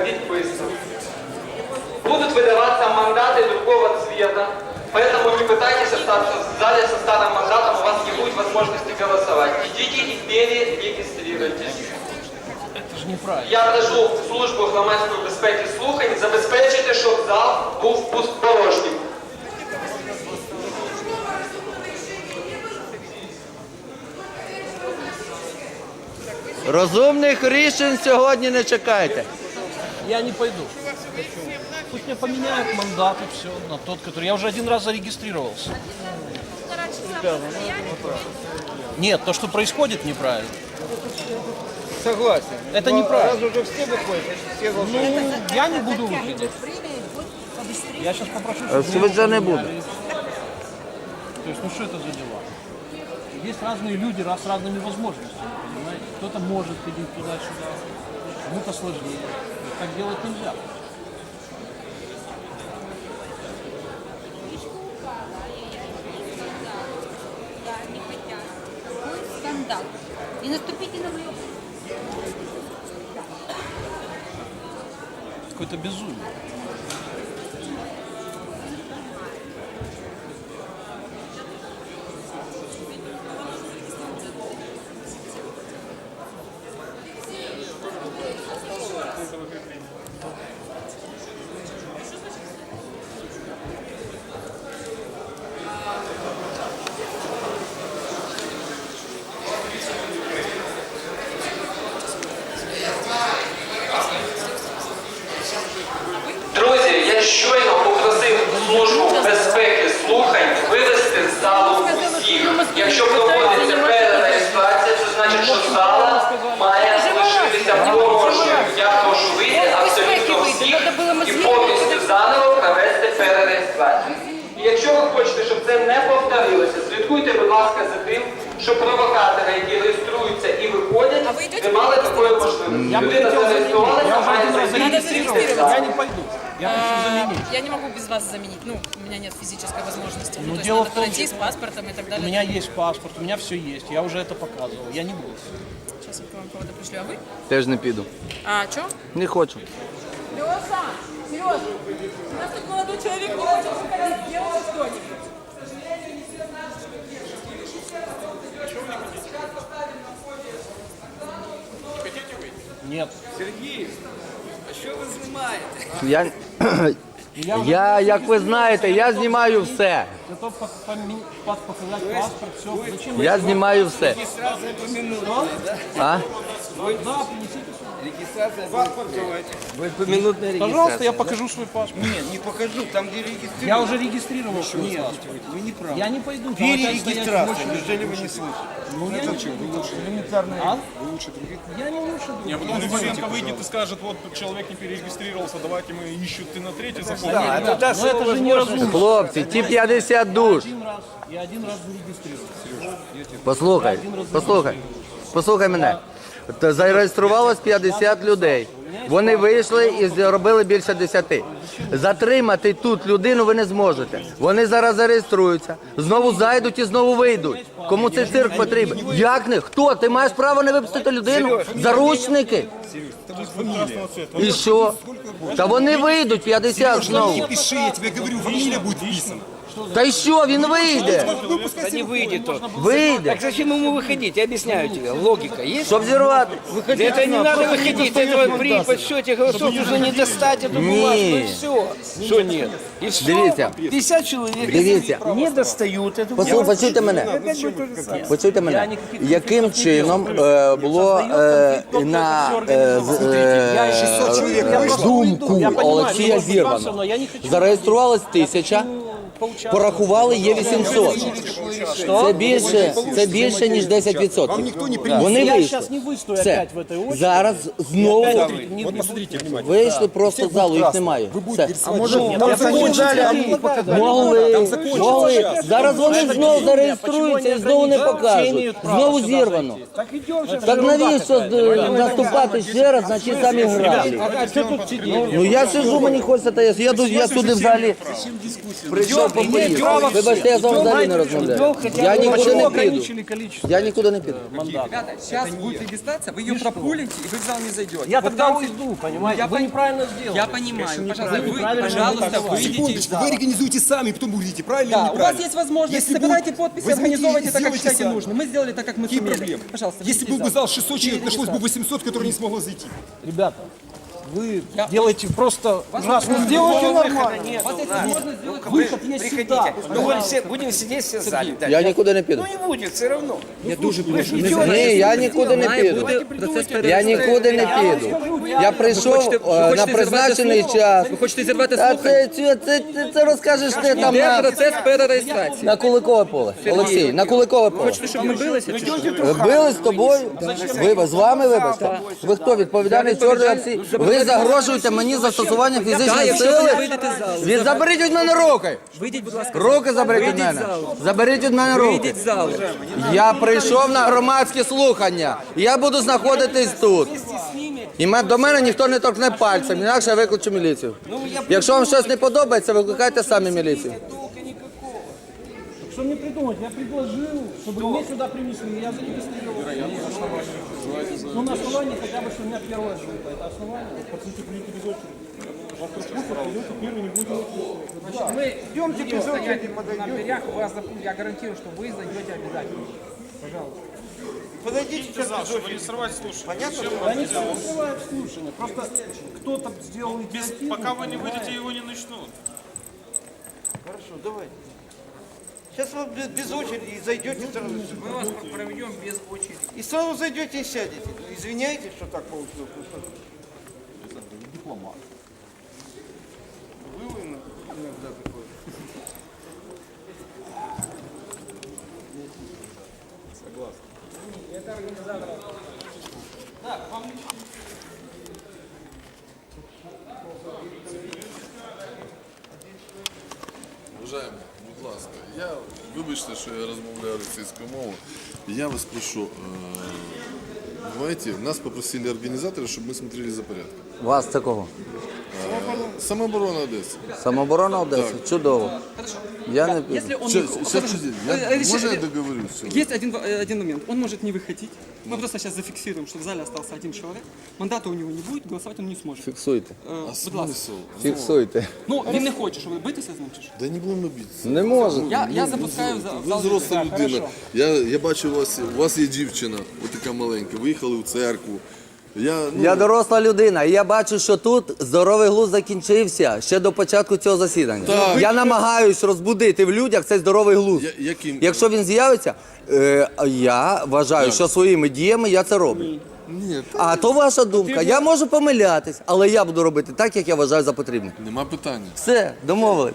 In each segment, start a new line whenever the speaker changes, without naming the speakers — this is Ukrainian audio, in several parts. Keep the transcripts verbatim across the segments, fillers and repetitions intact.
підписку. Будут выдаваться мандаты другого цвета, поэтому не пытайтесь остаться в зале со старым мандатом, у вас не будет возможности голосовать. Идите и перерегистрируйтесь.
Это же неправильно.
Я прошу службу громадської безпеки слухань забезпечити, щоб зал був порожнім.
Розумних рішень сьогодні не чекайте.
Я не пойду. Пусть мне поменяют мандат и все на тот, который... Я уже один раз зарегистрировался. Нет, то, что происходит, неправильно.
Согласен.
Это
Но
неправильно.
раз уже все выходят, значит все должны.
Ну, я не буду выходить. Я сейчас попрошу, чтобы...
Швидше не буде.
То есть, ну что это за дела? Есть разные люди с разными возможностями, понимаете? Кто-то может ходить туда-сюда, кому-то сложнее. Так делать нельзя.
Скандал. Не наступите на мою...
Какое-то безумие.
Друзі, я щойно попросив службу безпеки слухань вивести з залу всіх. Якщо проводиться перереєстрація, це значить, що зала має залишитися порожньою. Я прошу вийти абсолютно всіх і повністю заново провести перереєстрацію. І якщо ви хочете, щоб це не повторилося, слідкуйте, будь ласка, за тим, щоб провокатори, які реєструються і виходять, не мали такої можливості. Людина зареєструвалася, має зареєструватися.
Я не пойду. Я хочу заменить.
Я не могу без вас заменить. Ну, у меня нет физической возможности.
Ну,
Ну, то есть
дело
надо
в том,
пройти с
что
паспортом и так
У
далее.
меня есть паспорт, у меня все есть. Я уже это показывал. Я не буду.
Сейчас я вам кого-то пришлю. А вы?
Теж не піду.
А, что?
Не хочу.
Леша! Сереж! У нас тут молодой человек не хочет выходить. Делайте что-нибудь.
Нет.
Сергей, а що ви знімаєте?
Я,
Я, уже
я, як ви знаєте, я знімаю все.
готов по- помен- пас- показать паспорт, все. Зачем вы-
Я знімаю все.
Регистрация поминутная, да?
А?
Да, принесите.
Регистрация паспорт давайте.
Ви помінутна
Пожалуйста, я покажу свой паспорт.
Нет, не покажу, там где регистрировать.
Я уже регистрировал свой
Нет,
паспорт.
вы не правы.
Я не пойду. там опять стоять в
Перерегистрация,
очереди.
неужели вы не слышите?
Ну, я не
Вы лучше элементарно.
А?
Вы лучше других.
Я не лучше
А
думаю.
потом Литвиненко выйдет и скажет, вот человек не перерегистрировался, давайте мы ищут ты на третий заход.
Да, это даст
Но
ему
это же не
возможность.
разумно.
Хлопці, ті п'ятдесят душ.
Один раз. Я один раз зарегистрировался.
Послухай, послухай, послухай мене. Та зареєструвалось п'ятдесят людей. Вони вийшли і зробили більше десяти. Затримати тут людину ви не зможете. Вони зараз зареєструються, знову зайдуть і знову вийдуть. Кому цей цирк потрібен? Як не? Хто? Ти маєш право не випустити людину? Заручники? І що? Та вони вийдуть п'ятдесят знову.
Пиши, я тебе говорю, фамилия будет вписана.
Та й що? Він вийде.
Да не выйдет он.
Вийде.
Так зачем ему выходить? Я объясняю тебе. Логика есть?
Щоб зірвати.
Да это не надо выходить. Этого при подсчете голосов уже не достать эту бумажку. И все. Что нет? И все.
Дивіться.
пятьдесят человек
Дивіться.
не достают эту
Послухайте, почуйте мене.
Опять будет то же самое.
Почуйте мене. Яким чином е, було е, на е, з- е, думку Олексія Зірвана? Зареєструвалось тисяча, порахували є вісімсот. Це більше, це більше ніж десять відсотків. Вони
Я
вийшли.
сейчас не выстою
Все.
опять в этой очереди.
Зараз знову
Вот посмотрите внимательно.
вийшли просто з залу, їх немає. Все.
А может, там закончится?
Могли, могли. Зараз вони знову зареєструються і знову не покажуть. Знову зірвано.
Так идем сейчас.
Так навіщо е, наступати ще раз на ті самі граблі? Ну я сижу, мені хочеться, та я, я, тут- я сюди взагалі прийшов попоїсти. Вибачте, я з вами взагалі не розмовляю.
хотя
Я
бы
никуда
Почему
не
ограничили количество
Я нікуди не піду.
мандатов?
Ребята, сейчас будет регистрация, вы ее пропулите, и вы в зал не зайдете.
Я
Вот
тогда
там
уйду, понимаете?
Я
Вы
пон-
неправильно сделали.
Я понимаю, пожалуйста,
неправильно.
вы,
Неправильно
пожалуйста,
не
выйдите из
Секундочку,
зала.
вы организуете сами, потом увидите, правильно
Да,
или
у
неправильно.
вас есть возможность,
Если
собирайте
будет-
подписи,
возьмите и
организовывайте так, как
сделайте
считаете
сами.
нужным. Мы сделали так, как мы
Какие
сумели.
проблемы?
Пожалуйста,
Если
выйдите
был бы
из
зал шестьсот человек,
Перед
нашлось бы
залом.
восемьсот, которые не смогло зайти.
Ребята, вы делаете просто ужасно. Сделайте нормально.
У вас есть возможность сделать
Выход есть
Приходите.
всегда.
Ну, будем, все, будем сидеть все в зале. Да.
Я нікуди не піду.
Ну, не будет, все равно.
Я дуже прошу.
Ні, я нікуди не піду. Я нікуди не піду. Я прийшов е, на призначений час.
Ви хочете зірвати
Та
слухання?
це, це, це, це розкажеш ти там
Де
на,
процес перереєстрації?
на Куликове поле. Олексій, на Куликове поле.
Хочете, щоб ми билися? чи що?
Били з тобою? Ви з вами вибачте? Ви хто відповідальний чорний Олексій? Ви загрожуєте мені застосування
Так,
фізичної
якщо ви
сили?
не вийдете з залу.
Від заберіть від мене руки!
Вийдіть, будь ласка.
Руки заберіть від
Вийдіть
мене.
з залу.
Заберіть від мене руки.
Вийдіть з залу.
Я прийшов на громадські слухання. І я буду знаходитись тут. І ме- до мене ніхто не торкне пальцем, інакше я викличу міліцію. Якщо вам щось не подобається, викликайте самі міліцію.
Что мне придумать? Я предложил, чтобы мне сюда принесли, я зарегистрировал. Ну, на основании хотя бы, что у меня первая группа. Это основание. Пацаны, придите без очереди. Вас пропустят, придете первый, не будет очереди.
Мы идемте без очереди на дверях, вас запу- я гарантирую, что вы зайдете обязательно. Пожалуйста.
Подойдите в зал, чтобы не срывать слушание. Понятно?
Да никто не скрывает слушания. Просто кто-то сделал инициативу.
Пока вы не выйдете, его не начнут.
Хорошо, давайте. Сейчас вы без, без очереди и зайдете сразу. Мы вас проведем без очереди. И сразу зайдете и сядете. Извиняйтесь, что так получилось. Дипломат. Вы иногда такой.
Уважаємо, будь ласка, я вибачте, що я розмовляю російською мовою. Я вас прошу, э, знаете, нас попросили организаторы, чтобы мы смотрели за порядком.
Вас це кого?
Э, Самооборона Одессы.
Самооборона Одеси? Чудово. Я не піду.
Если он...
Сейчас, сейчас, подожди, я,
Э, э,
можно я
э,
договорюсь?
Есть один, э, один момент. Он может не выходить. Мы просто сейчас зафиксируем, что в зале остался один человек. Мандата у него не будет, голосовать он не сможет.
Фіксуйте.
Э,
А
будь ласка.
смысл?
Фіксуйте.
Ну, він не хоче, щоб ви битися з ним чи що?
Да не будемо битися.
Не можу.
Я, я запускаю в зал. в
Ви
зал.
взросла людина. Я, я бачу, у вас, у вас є дівчина, отака маленька, виїхали в церкву. Я, ну,
Я доросла людина, і я бачу, що тут здоровий глузд закінчився ще до початку цього засідання.
Так.
Я намагаюсь розбудити в людях цей здоровий глузд.
я, яким?
Якщо він з'явиться, е, я вважаю, що своїми діями я це роблю.
Ні, та-
А то ваша думка. Я можу помилятись, але я буду робити так, як я вважаю за потрібне.
нема питання.
Все, домовились.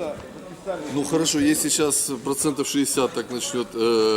Ну хорошо, если сейчас процентов шестьдесят так начнет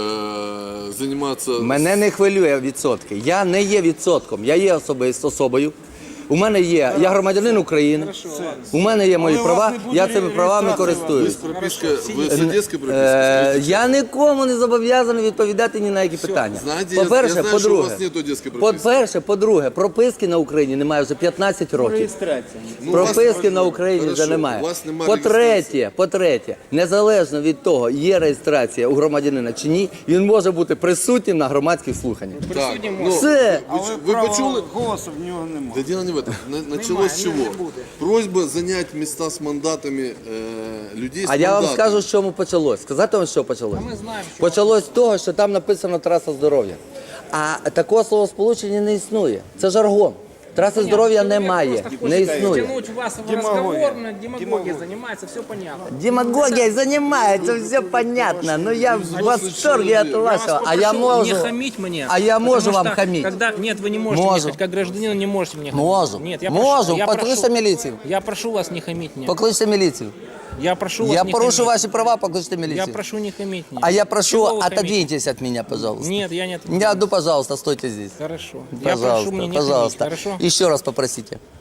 э, заниматься...
Мене не хвилює відсотки. Я не є відсотком, я є особисто особою. У мене є, я громадянин України, у мене є мої права, я цими правами
Вы с
користуюсь.
пропиской, вы с одесской пропиской?
Е,
Скажите,
я нікому не зобов'язаний відповідати ні на які питання.
Знаете, я- я
По-перше,
знаю, що у
по-друге,
вас нет одеської прописки.
по-перше, по-друге, прописки на Україні немає вже п'ятнадцять років.
Ну, у вас-
Прописки на Україні
Хорошо,
вже немає.
у вас немає
По-третє, по-третє, незалежно від того, є реєстрація у громадянина чи ні, він може бути присутнім на громадських слуханнях.
Так, ну,
Все.
вы, вы почули?
Голосу в нього немає.
Да дело не в этом. На- Началось с чего? Просьба занять места с мандатами э, людей с
А я вам
мандатами.
скажу, з чому почалось. Сказати вам, що почалось? Почалось з того, що там написано траса здоров'я. А такого словосполучення не існує. Це жаргон. Траси здоров'я немає, не існує.
Тянуть вас в разговор, на демагогия занимается, все понятно.
Демагогія займається, все понятно. Ну я в восторге від вашого. А я можу.
Не хамить мне.
А я
потому
можу вам
что
хамить.
Когда... Нет, вы не можете
Можу.
мне хамить. Как гражданин не можете мне хамить.
Можу.
Нет, я
Можу.
прошу, я
Покличте
прошу,
міліцію.
я прошу вас не хамить мне.
Покличте міліцію.
Я прошу вас
Я
не
порушу
хамить.
ваші права, покличте
Я
міліцію.
прошу не хамить мне.
А я прошу,
Чего вы хамите?
отодвиньтесь от меня, пожалуйста.
Нет, я не отодвинусь.
Я, ну, пожалуйста, стойте здесь.
Хорошо. Я прошу
Пожалуйста,
мне не
пожалуйста.
хамить, хорошо?
Еще раз попросите.